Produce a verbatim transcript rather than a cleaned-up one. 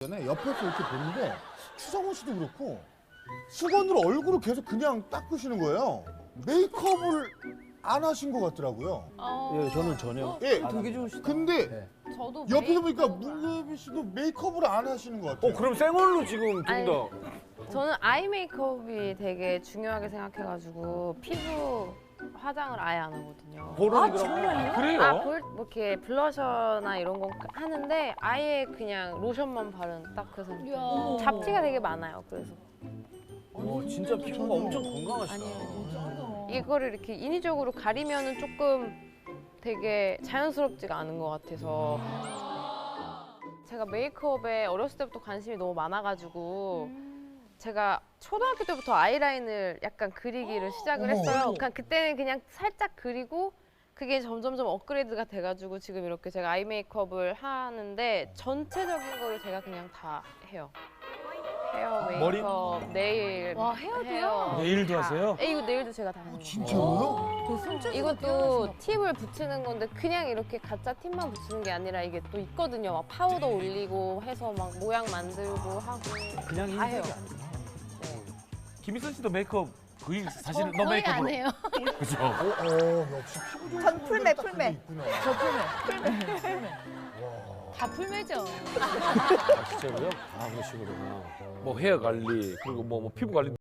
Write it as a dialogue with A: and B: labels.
A: 전에 옆에서 이렇게 보는데 추성훈 씨도 그렇고 수건으로 얼굴을 계속 그냥 닦으시는 거예요. 메이크업을 안 하신 것 같더라고요.
B: 어,
C: 예, 저는 전혀.
A: 예.
D: 되게 좋으시다.
A: 근데
C: 네.
B: 저도
A: 옆에서 보니까
B: 메이크업
A: 문재빈 씨도 메이크업을 안 하시는 것 같아요.
E: 어 그럼 생얼로 지금
B: 아니,
E: 좀 더.
B: 저는 아이 메이크업이 되게 중요하게 생각해가지고 피부 화장을 아예 안 하거든요.
E: 볼은 그럼 그래요?
B: 아, 볼, 뭐 이렇게 블러셔나 이런 건 하는데 아예 그냥 로션만 바른 딱 그 상태. 잡티가 되게 많아요. 그래서
C: 어, 진짜 피부가 엄청 건강하시다.
B: 아니에요. 이거를 이렇게 인위적으로 가리면은 조금 되게 자연스럽지가 않은 것 같아서 제가 메이크업에 어렸을 때부터 관심이 너무 많아가지고 제가 초등학교 때부터 아이라인을 약간 그리기를 시작을 했어요. 그냥 그때는 그냥 살짝 그리고 그게 점점점 업그레이드가 돼가지고 지금 이렇게 제가 아이 메이크업을 하는데 전체적인 거를 제가 그냥 다 해요. 헤어, 메이크업, 네일.
F: 와, 헤어도요?
B: 헤어
E: 네일도
B: 다.
E: 하세요?
B: 네, 이거 네일도 제가 다 하는 거예요.
A: 진짜로요?
B: 이것도 팁을 붙이는 건데 그냥 이렇게 가짜 팁만 붙이는 게 아니라 이게 또 있거든요. 막 파우더 올리고 해서 막 모양 만들고 하고
C: 그냥
B: 다 해요.
C: 흰색이 아니구나.
E: 김희선 씨도 메이크업 거의 사실은
F: 저
E: 너
F: 거의
E: 메이크업으로.
F: 안 해요.
E: 그죠?
A: 어, 어, 역시 피부 좋은
G: 전 풀메,
A: 딱 그게
G: 풀메.
A: 있구나.
F: 저 풀메. 풀메. 다 풀메죠.
E: 아, 진짜로요? 아 그러시구나. 뭐 헤어 관리 그리고 뭐, 뭐 피부 관리.